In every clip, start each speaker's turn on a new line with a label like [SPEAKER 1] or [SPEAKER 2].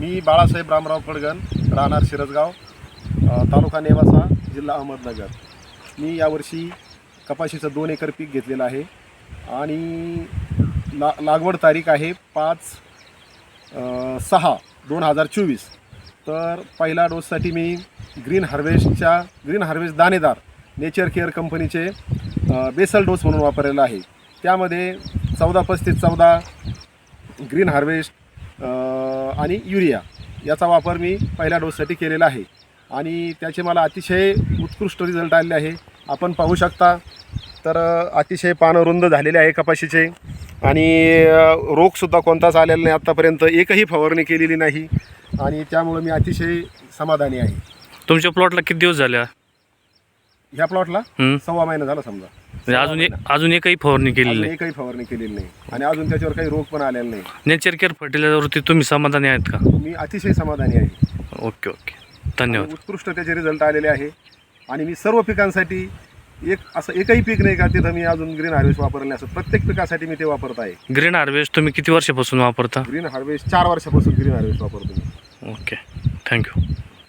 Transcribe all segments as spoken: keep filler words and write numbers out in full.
[SPEAKER 1] मी बाळासाहेब रामराव फडगण, राहणार शिरसगाव, तालुका नेवासा, जिल्हा अहमदनगर. मी यावर्षी कपाशीचं दोन एकर पीक घेतलेलं आहे आणि ला लागवड तारीख आहे पाच सहा दोन हजार चोवीस. तर पहिला डोससाठी मी ग्रीन हार्वेस्टच्या ग्रीन हार्वेस्ट दाणेदार नेचर केअर कंपनीचे बेसल डोस म्हणून वापरलेला आहे. त्यामध्ये चौदा पस्तीस चौदा ग्रीन हार्वेस्ट आणि युरिया याचा वापर मी पहिल्या डोससाठी केलेला आहे आणि त्याचे मला अतिशय उत्कृष्ट रिझल्ट आलेले आहे. आपण पाहू शकता तर अतिशय पानं रुंद झालेले आहे कपाशीचे आणि रोगसुद्धा कोणताच आलेला नाही आत्तापर्यंत, एकही फवारणी केलेली नाही आणि त्यामुळे मी अतिशय समाधानी आहे.
[SPEAKER 2] तुमच्या प्लॉटला किती दिवस झाले?
[SPEAKER 1] ह्या प्लॉटला सव्वा महिना झाला समजा.
[SPEAKER 2] म्हणजे अजून एक अजून एकही फवारणी केलेली नाही?
[SPEAKER 1] एकही फवारणी केलेली नाही आणि अजून त्याच्यावर काही रोग पण आलेला नाही.
[SPEAKER 2] नेचर केअर फर्टिलायझरवरती तुम्ही समाधानी आहेत का?
[SPEAKER 1] मी अतिशय समाधानी आहे.
[SPEAKER 2] ओके ओके, धन्यवाद.
[SPEAKER 1] उत्कृष्ट त्याचे रिझल्ट आलेले आहे आणि मी सर्व पिकांसाठी एक असं एकही पीक नाही का तिथं मी अजून ग्रीन हार्वेस्ट वापरले, असं प्रत्येक पिकासाठी मी ते वापरत आहे.
[SPEAKER 2] ग्रीन हार्वेस्ट तुम्ही किती वर्षापासून वापरता?
[SPEAKER 1] ग्रीन हार्वेस्ट चार वर्षापासून ग्रीन हार्वेस्ट वापरतो मी.
[SPEAKER 2] Okay, thank you.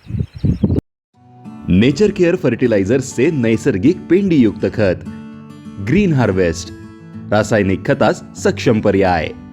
[SPEAKER 3] नेचर केअर फर्टिलायझर्सचे नैसर्गिक पेंडीयुक्त खत ग्रीन हार्वेस्ट, रासायनिक खतास सक्षम पर्याय.